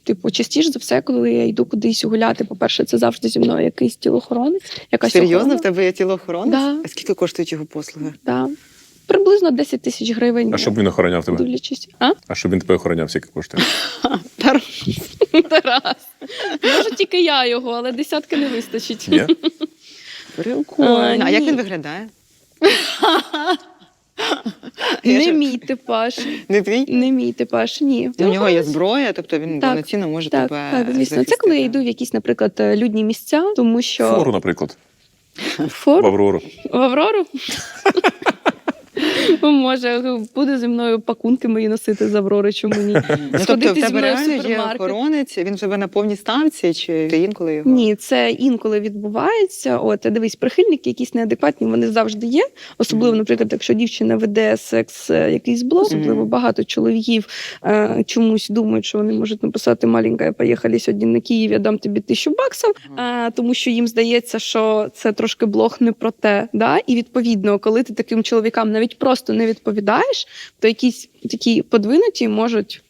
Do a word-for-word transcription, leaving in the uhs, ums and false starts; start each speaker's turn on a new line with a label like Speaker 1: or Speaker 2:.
Speaker 1: типу, частіше за все, коли я йду кудись гуляти, по-перше, це завжди зі мною якийсь тілоохоронець. Якась
Speaker 2: Серйозно?
Speaker 1: охорона.
Speaker 2: В тебе є тілоохоронець?
Speaker 1: Да.
Speaker 2: А скільки коштують його послуги?
Speaker 1: Да. Приблизно десять тисяч гривень.
Speaker 3: А щоб він охороняв тебе?
Speaker 1: Дивлячись. А?
Speaker 3: А щоб він тебе охороняв, скільки коштує?
Speaker 1: Тарас. Може, тільки я його, але десятки не вистачить.
Speaker 3: Ні?
Speaker 2: Прикольно.
Speaker 1: А,
Speaker 2: А як
Speaker 1: ні.
Speaker 2: він виглядає?
Speaker 1: Не
Speaker 2: ж-
Speaker 1: мій типаж.
Speaker 2: Не твій?
Speaker 1: Не мій типаж, ні.
Speaker 2: У нього є зброя, тобто він
Speaker 1: Так,
Speaker 2: повноцінно може
Speaker 1: Так,
Speaker 2: тебе
Speaker 1: так, звісно. Це
Speaker 2: захистити.
Speaker 1: коли я йду в якісь, наприклад, людні місця, тому що...
Speaker 3: Фору, наприклад. В
Speaker 1: Фору?
Speaker 3: Аврору.
Speaker 1: В Аврору? Може, буде зі мною пакунки мої носити з Аврори, чому ні?
Speaker 2: Ну, тобто в
Speaker 1: Сходити зі
Speaker 2: тебе
Speaker 1: мною в
Speaker 2: реально є
Speaker 1: супермаркет.
Speaker 2: охоронець, він живе на повній ставці, чи ти інколи його?
Speaker 1: Ні, це інколи відбувається. От, дивись, прихильники якісь неадекватні, вони завжди є. Особливо, наприклад, якщо дівчина веде секс е, якийсь блог, особливо багато чоловіків е, чомусь думають, що вони можуть написати «маленька, поїхали сьогодні на Київ, я дам тобі тисячу баксів», е, тому що їм здається, що це трошки блог не про те. Да? І відповідно, коли ти таким чоловікам навіть просто не відповідаєш, то якісь такі подвинуті можуть